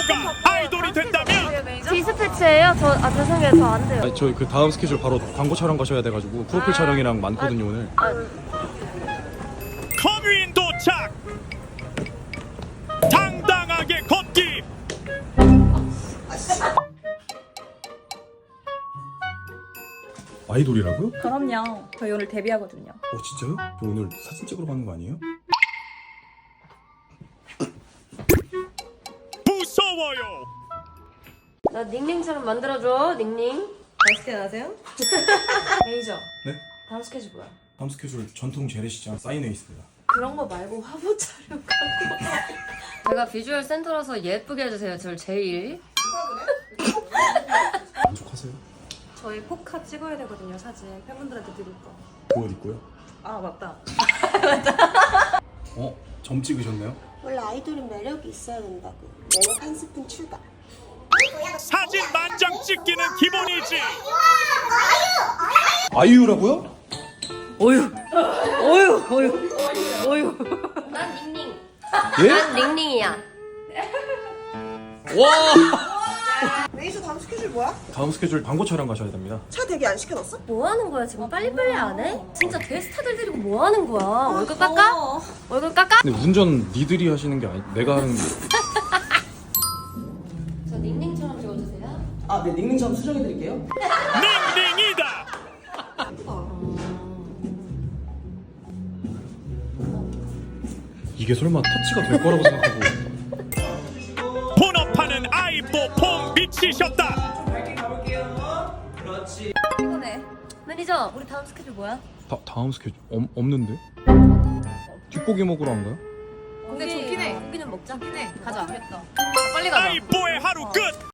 선수가 아이돌이 된다면 디스패치예요? 죄송해요. 저 안 돼요. 아니, 저희 그 다음 스케줄 바로 광고 촬영 가셔야 돼가지고 프로필 촬영이랑 많거든요 오늘. 커뮤인 도착. 당당하게 걷기. 아이돌이라고요? 그럼요. 저희 오늘 데뷔하거든요. 진짜요? 저 오늘 사진 찍으러 가는 거 아니에요? 무서워요. 나 닝닝처럼 만들어줘. 닝닝. 맛있게 나세요? 메이저. 네? 다음 스케줄 뭐야? 다음 스케줄 전통 재래시장 사인회 있습니다. 그런 거 말고 화보 촬영 갖고. 제가 비주얼 센터라서 예쁘게 해주세요. 저를 제일. 만족하세요? 저희 포카 찍어야 되거든요, 사진. 팬분들한테 드릴 거. 그 옷 입고요? 아, 맞다. 점 찍으셨나요? 원래 아이돌은 매력이 있어야 된다고. 매력 한 스푼 추가. 사진 만장 찍기는 기본이지. 아이유라고요? 난 닝닝. 예? 난 닝닝이야. 메이저 다음 스케줄 뭐야? 다음 스케줄 광고 촬영 가셔야 됩니다. 차 대기 안 시켜놨어? 뭐 하는 거야 지금? 빨리빨리 안 해? 진짜 대스타들 데리고 뭐 하는 거야? 월급 깎아? 월급 깎아? 근데 운전 니들이 하시는 게 아니 내가 하는 게. 저 닝닝처럼 찍어주세요. 아, 네, 닉네임 수정해드릴게요. 닝닝이다. 이게 설마 터치가 될 거라고 생각하고. 본업하는 아이뽀 미치셨다. 그렇지. 피곤해. 매니저, 우리 다음 스케줄 뭐야? 다음 스케줄 없는데? 뒷고기 먹으러 안 가요? 근데 좋긴 해. 고기는 먹자. 좋긴 해. 가자. 빨리 가자. 아이뽀의 하루 끝.